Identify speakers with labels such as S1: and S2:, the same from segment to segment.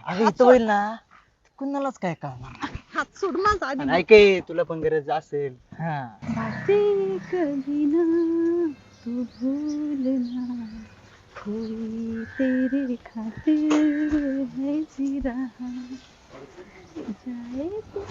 S1: अगं इथं होईल ना कुणालाच काय कळणार.
S2: हात सोड माझा आधी.
S1: आणि ऐक हे, तुला पण गरज असेल. हा
S2: बातें कभी ना तू भूलना कोई तेरे खातिर है जी रहा जाए तू.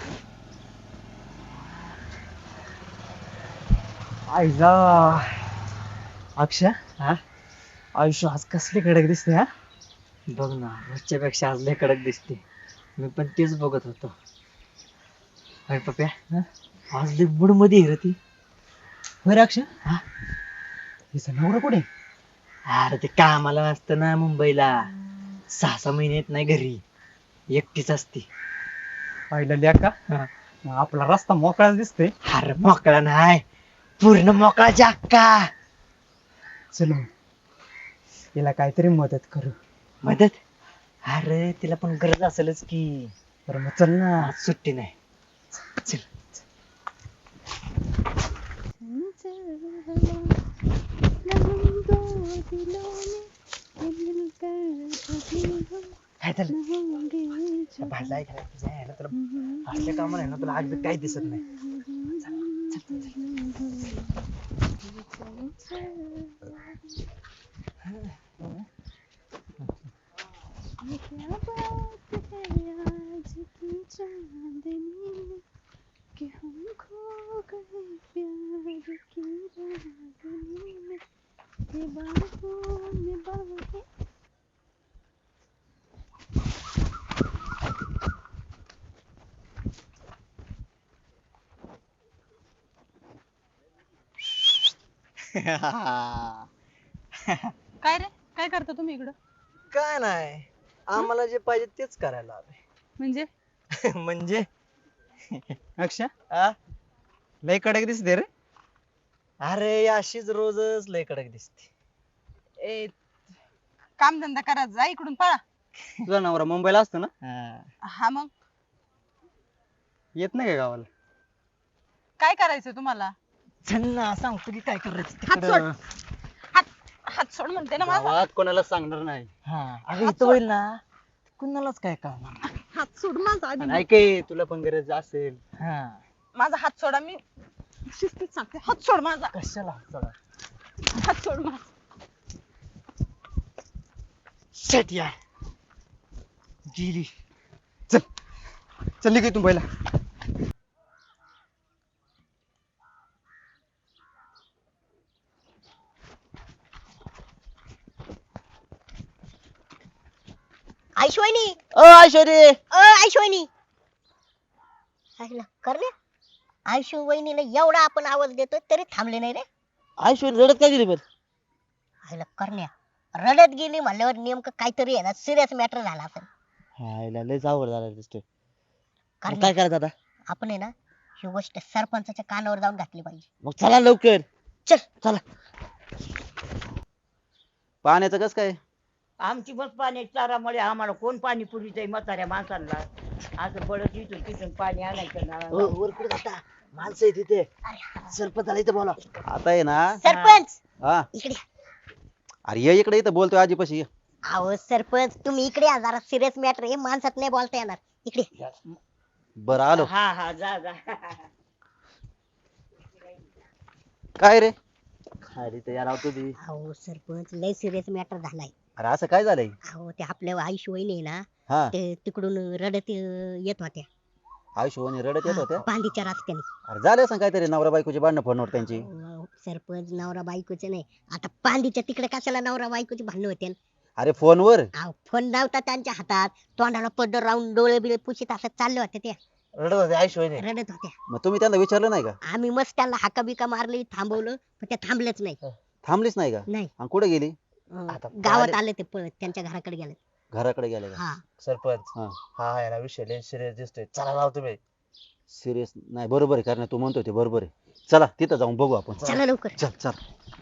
S1: आईला अक्षय
S3: हा
S1: आयुष्य आज कसली कडक दिसते हा.
S3: बघ ना, रोजच्या पेक्षा आज लय कडक दिसते. मी पण तेच बघत होतो. अरे पप्या, आज लय मूड मध्ये आहे रे ती.
S1: बरं अक्षय
S3: हा?
S1: हिचा नवरा कुठे?
S3: अरे ते कामाला असतं ना मुंबईला, 6-6 महिने येत नाही घरी, एकटीच असते.
S1: पाहिलं लिया का
S3: हा.
S1: मग आपला रस्ता मोकळाच दिसतोय.
S3: अरे मोकळा नाही, पूर्ण मोकळा जाक्का.
S1: चलो हिला काहीतरी मदत करू.
S3: मदत? अरे तिला पण गरज असेलच की.
S1: बरं मग चल ना.
S3: आज सुट्टी नाही. चल.
S2: चंचल हवा हम दो दिलों में मिलकर कभी हम
S3: काय झालं?
S2: न होंगे जुदा.
S3: भाजला आहे का नाही? तुझ्या ह्याला तुला असल्या कामाला आहे ना, तुला आज काही दिसत नाही.
S2: ये क्या बात है आज की चांदनी में कि हम खो गए प्यार की रागनी में ये बाहों में बाहें. काय रे, काय करता तुम्ही इकडं?
S3: काय नाही, आम्हाला जे पाहिजे तेच करायला आलोय.
S2: म्हणजे
S3: म्हणजे
S1: अक्षय
S3: आ?
S1: लय कडक दिसते रे.
S3: अरे अशीच रोजच लय कडक दिसते.
S2: ए, काम धंदा करा, जा इकडून पळा.
S1: तुझा नवरा मुंबईला असतो ना.
S2: हा मग
S1: येत नाही का गावाला?
S2: काय करायचं तुम्हाला?
S3: चल ना, सांगतो की काय करायचं
S2: हात
S3: तिकडं.
S2: सोड. हात सोड म्हणते ना माझा.
S1: गावात कोणाला सांगणार नाही.
S3: हा
S1: अगं
S2: हात
S1: इथं
S2: सोड.
S1: होईल ना कुणालाच काय कळणार.
S2: हात सोड माझा
S1: आणि
S2: आधी.
S1: ऐक हे, तुला पण गरज असेल.
S3: हा.
S2: माझा हात सोडा, मी शिस्तीत सांगते. हात सोड माझा.
S3: कशाला चला.
S2: हात सोड माझा.
S3: शेट यार, गेली.
S1: चल निघ इथून पहिला.
S4: ऐश्वनी
S3: ओ ऐश्वरी,
S4: ऐश्वनी करणे आयशू वहिनीला एवढा आपण आवाज देतोय तरी थांबले नाही रे.
S3: ऐश्वरी रडत काय गेली पण?
S4: आईला करण्या रडत गेली म्हणल्यावर नेमकं काहीतरी आहे ना, सिरियस मॅटर झाला असेल.
S3: हायला लयच अवघड झालं दिसतोय. मग
S4: करण्या,
S3: काय करायचं आता?
S4: आपण आहे ना ही गोष्ट सरपंचाच्या कानावर जाऊन घातली पाहिजे.
S3: मग चला लवकर.
S4: चल.
S3: चला.
S1: पाण्याचं कस काय?
S5: आमची बस पाण्याची चारामुळे आम्हाला कोण पाणी पुरीचंय म्हाताऱ्या माणसांना. असं पडत इथून तिथून पाणी आणायचं ना.
S3: वर कुठे जाता? माणसं आहे तिथे. सरपंच आला इथे बोला.
S1: आता आहे ना.
S4: सरपंच
S1: हा
S4: इकडे.
S1: अरे ये इकडे, इथं बोलतोय आजीपाशी ये.
S4: अहो सरपंच तुम्ही इकडे या, जरा सिरियस मॅटर आहे, माणसात नाही बोलता येणार. इकडे.
S1: बरं आलो.
S5: हा हा जा जा.
S1: काय रे?
S3: अरे ते यार तुम्ही.
S4: अहो सरपंच लय सिरियस मॅटर झालाय.
S1: अरे असं काय झालंय?
S4: अहो ते आपल्या आयशू वहिनी आहे ना,
S1: हा
S4: ते तिकडून रडत येत होत्या.
S1: आयुष्यवाणी रडत येत होत्या.
S4: बांधीच्या रस्त्याने.
S1: अरे झाले असं काहीतरी नवरा बायकोची भांडणं फोनवर त्यांची.
S4: सरपंच नवरा बायकोचे नाही, आता पांदीच्या तिकडे कशाला नवरा बायकोची भांडणं होते.
S1: अरे फोनवर.
S4: फोन लावता त्यांच्या हातात, तोंडाला पदर राहून डोळे बिळे पुशीत असं चालले होते ते.
S3: रडत होते ऐश्वरी.
S4: रडत होत्या.
S1: मग तुम्ही त्यांना विचारलं नाही का?
S4: आम्ही मस्त त्यांना हाका बिका मारली, थांबवलं, पण ते थांबलेच नाही.
S1: थांबलीच नाही का?
S4: नाही.
S1: आणि कुठे गेली?
S3: आता
S4: गावात
S3: पाहिले-
S4: आले ते पळत, त्यांच्या घराकडे गेले.
S1: घराकडे गेले का?
S4: हा
S3: सरपंच
S1: हा.
S3: हा याला विषय लय सिरियस दिसतोय. चला जाऊ तुम्ही.
S1: सिरियस नाही, बरोबर आहे, कारण तू म्हणतोय ते बरोबर आहे. चला तिथं जाऊन बघू आपण.
S4: चला लवकर.
S1: चल चल.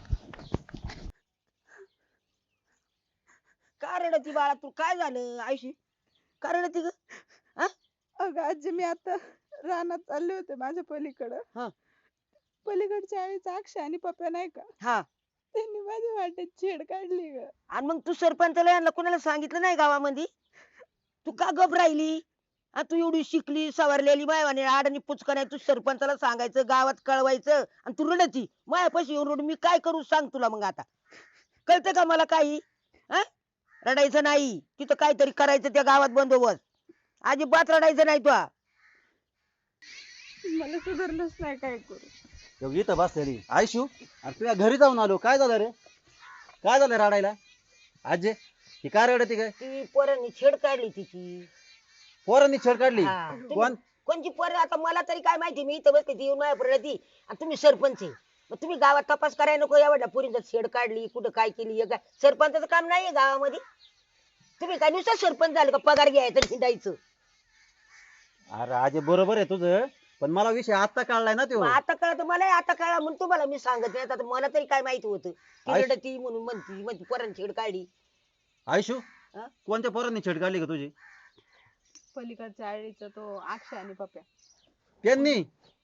S5: का रडती बाळा तू? काय झालं आयुषी? का रडती ग?
S2: अगं आजी, मी आता रानात चालले होते माझ्या पलीकडं.
S5: हा.
S2: पलीकडच्या आईचा अक्षय आणि पप्या नाही का,
S5: हा.
S2: त्यांनी माझ्या वाटेत छेड काढली ग.
S5: आणि मग तू सरपंचाला यांना कोणाला सांगितलं नाही गावामध्ये?
S6: तू का गप राहिली? तू एवढी शिकली सवरलेली मायवाने आडणी पुचका नाही, तू सरपंचाला सांगायचं, गावात कळवायचं, आणि तू रडती मायापाशी येऊन रडू. मी काय करू सांग तुला मग आता? कळतं का मला काही? हा? रडायचं नाही, तिथं काहीतरी करायचं त्या गावात बंदोबस्त. अजिबात रडायचं नाही तुला.
S2: मला सुधारलंच नाही, काय करू?
S1: एवढी इथं बसलेली आयशू, अरे तुझ्या घरी जाऊन आलो. काय झालं रे? काय झालं रडायला? आजे ही काय रडती काय?
S6: ती पोरांनी छेड काढली तिची.
S1: पोरांनी छेड काढली?
S6: हा.
S1: कोण?
S6: कोणची पोरं? आता मला तरी काय माहिती, मी इथं बसते ती येऊन माझ्या रडती, आणि तुम्ही सरपंच आहे. मग तुम्ही गावात तपास करायला नको? एवढ्या पोरींचा छेड काढली, कुठं काय केली? हे काय सरपंचाचं काम नाहीये गावामध्ये? तुम्ही काय नुसतं सरपंच झाले का पगार घ्यायचं हिंडायचं?
S1: अरे आजे बरोबर आहे तुझं, पण मला विषय आता कळलाय ना तो.
S6: मग आता कळत मला, आता कळा म्हणून तुम्हाला मी सांगत नाही. आता मला तरी काय माहिती होतं ती
S1: आयुष-
S6: रडती म्हणून म्हणती पोरांनी छेड काढली.
S1: आयशू
S6: हा?
S1: कोणत्या पोरांनी छेड काढली का तुझी?
S2: पलीकडच्या आळीचा तो अक्षय आणि पप्या.
S1: त्यांनी?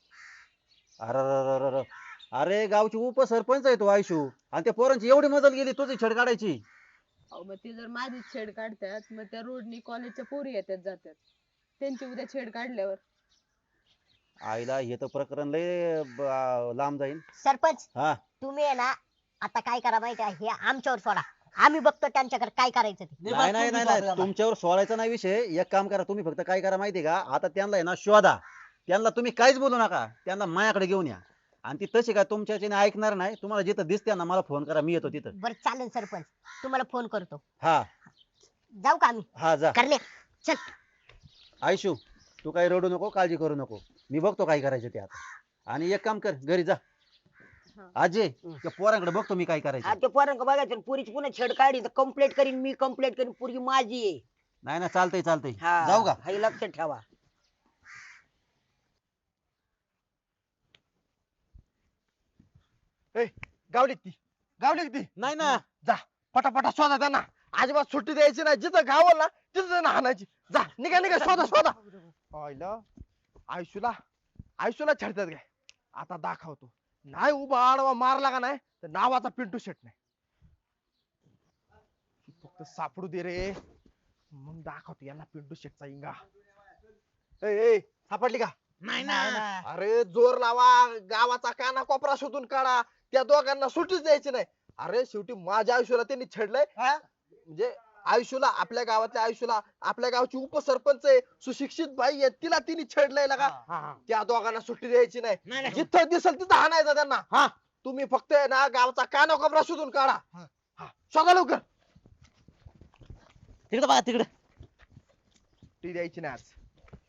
S1: अरे अरे गावची उपसरपंच आहे तो आयशू, आणि त्या पोरांची एवढी मदत गेली तुझी छेड काढायची?
S2: अहो मग ते जर माझी छेड काढतात, मग त्या रोडनी कॉलेजच्या पोरी येतात जातात, त्यांची उद्या छेड काढल्यावर
S1: आईला हे तर प्रकरण लय लांब जाईल.
S4: सरपंच
S1: हा
S4: तुम्ही आहे ना, आता काय करा माहिती आहे, हे आमच्यावर सोडा, आम्ही बघतो त्यांच्याकडे काय करायचं ते.
S1: नाही नाही नाही नाही, तुमच्यावर सोडायचा नाही विषय. एक काम करा, तुम्ही फक्त काय करा माहितीये का, आता त्यांना आहे ना शोधा. त्यांना तुम्ही काहीच बोलू नका, त्यांना माझ्याकडे घेऊन या. आणि ती तशी काय तुमच्याच्याने ऐकणार नाही. तुम्हाला जिथं दिसते ना मला फोन करा, मी येतो तिथं.
S4: बरं चालेल सरपंच, तुम्हाला फोन करतो.
S1: हा
S4: जाऊ का आम्ही?
S1: हा जा.
S4: करण्या चल.
S1: आयशू तू काही रडू नको, काळजी करू नको, मी बघतो काय करायचं ते आता. आणि एक काम कर, घरी जा.
S2: हा.
S1: आजे त्या पोरांकडे बघतो मी काय करायचं.
S6: ते पोरांक बघायचं, पुरीची पुन्हा छेड काढली तर कंप्लेंट करीन मी, कंप्लेंट करीन. पुरी माझी आहे.
S1: नाही ना, चालतंय चालतंय.
S6: हा,
S1: जाऊ का?
S6: हे लक्षात ठेवा.
S7: गावलीत ती
S1: नाही ना,
S7: पटापटा शोधा त्यांना. अजिबात सुट्टी द्यायची नाही. जिथं गावल ना तिथं त्यांना हाणायची. जा निघा निघा, शोधा. आईला आयुष्याला छेडतात काय? आता दाखवतो. नाही उभा आडवा मारला का नाही तर नावाचा पिंटू शेट नाही. फक्त सापडू दे रे, मग दाखवतो यांना पिंटू शेटचा इंगा. ए सापडली का?
S5: नाही ना.
S7: अरे जोर लावा, गावाचा काना कोपरा शोधून काढा. त्या दोघांना सुट्टीच द्यायची नाही. अरे शेवटी माझ्या आयुष्याला त्यांनी छेडलंय. म्हणजे आयुष्याला, आपल्या गावातल्या आयुष्याला, आपल्या गावची उपसरपंच आहे, सुशिक्षित बाई आहे, तिला तिने छेडलंय का? त्या दोघांना सुट्टी द्यायची नाही. जिथं दिसल तिथं हाणायचं त्यांना. तुम्ही फक्त आहे ना गावचा काना कोपरा शोधून काढा. शोधा लवकर.
S1: तिकडे बघा तिकडे.
S7: ती द्यायची नाही आज.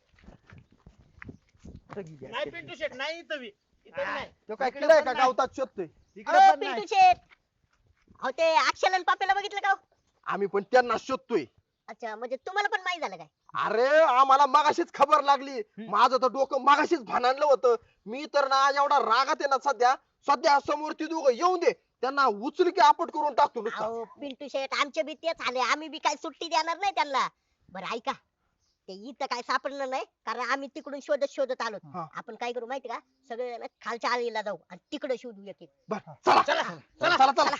S5: नाही पिंटू शेट नाही इथं बी. इथं नाही.
S7: तो काय किडा आहे का गावतात शोधतोय?
S4: अहो, पिंटू शेठ, अहो ते अक्षय आणि पप्याला बघितलं का हो?
S7: आम्ही पण त्यांना शोधतोय.
S4: अच्छा, म्हणजे तुम्हाला पण माहित झालं काय?
S7: अरे आम्हाला मगाशीच खबर लागली. माझं तर डोकं मगाशीच भानांडलं होतं. मी तर ना एवढा रागात आहे ना सध्या समोर ती दोघं येऊन दे, त्यांना उचल की आपट करून टाकतो नुसता.
S4: अहो पिंटू शेठ, आमचे बी तेच आले, आम्ही बी काय सुट्टी देणार नाही त्यांना. बरं ऐका, ते इथं काय सापडलं नाही, कारण आम्ही तिकडून शोधत आलो.
S7: हा.
S4: आपण काय करू माहिती का, सगळे ना खालच्या आळीला जाऊ आणि तिकडे शोधू एक.
S7: बरं, चला.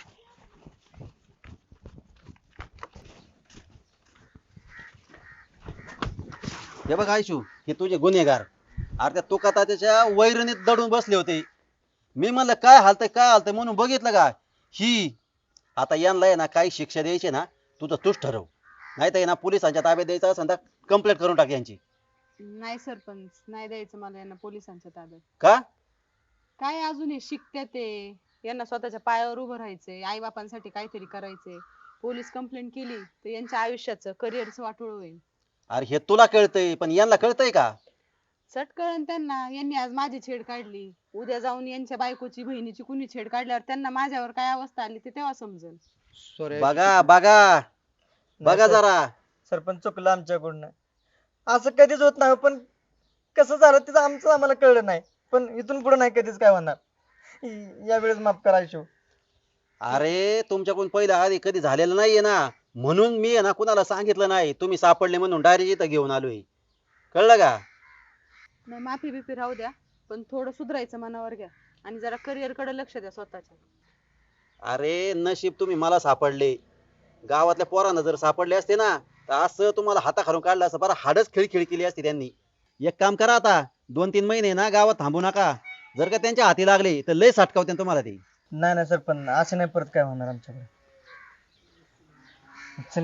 S1: हे बघ आयशू, हे तुझे गुन्हेगार. अरे त्या तुका त्याच्या वैरणीत दडून बसले होते. मी म्हणलं काय हालतंय म्हणून बघितलं का. ही आता यांना आहे ना काही शिक्षा द्यायची ना, तूच ठरव. नाही तर ना पोलिसांच्या ताब्यात द्यायचं असेल तर कंप्लेंट करून टाक यांची.
S2: नाही सरपंच, नाही द्यायचं मला यांना पोलिसांच्या ताब्यात.
S1: का?
S2: काय अजून हे शिकते ते, यांना स्वतःच्या पायावर उभं राहायचंय, आई बापांसाठी काहीतरी करायचंय. पोलीस कंप्लेंट केली तर यांच्या आयुष्याचं करिअरचं वाटोळ होईल.
S1: अरे हे तुला कळतंय, पण यांना कळतंय का?
S2: चट कळण त्यांना. यांनी आज माझी छेड काढली, उद्या जाऊन यांच्या बायकोची बहिणीची कुणी छेड काढल्यावर त्यांना माझ्यावर काय अवस्था आली ते तेव्हा समजेल.
S1: बघा जरा.
S3: सरपंच चुकलं आमच्याकडून. असं कधीच होत नाही, पण कसं झालं तिथं आमचं आम्हाला कळलं नाही. पण इथून पुढे नाही कधीच काय होणार. यावेळेस माफ करायचो.
S1: अरे तुमच्याकडून पहिलं आधी कधी झालेलं नाहीये ना, म्हणून मी आहे ना कुणाला सांगितलं नाही. तुम्ही सापडले म्हणून डायरेक्ट इथं घेऊन आलोय. कळलं का?
S2: नाही, माफी बिफी राहू द्या, पण थोडं सुधारायचं मनावर घ्या आणि जरा करिअर कडे लक्ष द्या स्वतःच्या.
S1: अरे नशीब तुम्ही मला सापडले. गावातल्या पोरांना जर सापडले असते ना तर असं तुम्हाला हाताखालून काढलं असं बरं हाडच खिळखिळी केली असती त्यांनी. एक काम करा आता 2-3 महिने ना गावात थांबू नका. जर का त्यांच्या हाती लागले तर लय साठकावते तुम्हाला ते.
S3: नाही नाही सरपंच असं नाही परत काय होणार आमच्याकडे. चले.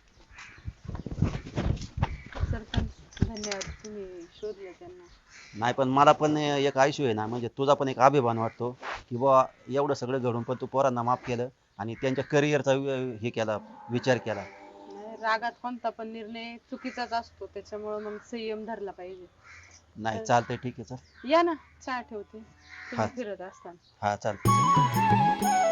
S2: सरपंच धन्यवाद, तुम्ही शोधले त्यांना.
S1: नाही पण मला पण एक आयुष्य आहे ना, म्हणजे तुझा पण एक अभिमान वाटतो की बुवा एवढं सगळं घडून पण तू पोरांना माफ केलं आणि त्यांच्या करिअरचा हे केला, विचार केला.
S2: नाही, रागात कोणता पण निर्णय चुकीचाच असतो, त्याच्यामुळे मग संयम धरला पाहिजे.
S1: नाही चालतंय, ठीक आहे, चल.
S2: या ना, चहा ठेवते,
S1: हा.
S2: तुम्ही फिरत असताना.
S1: हा चालतंय.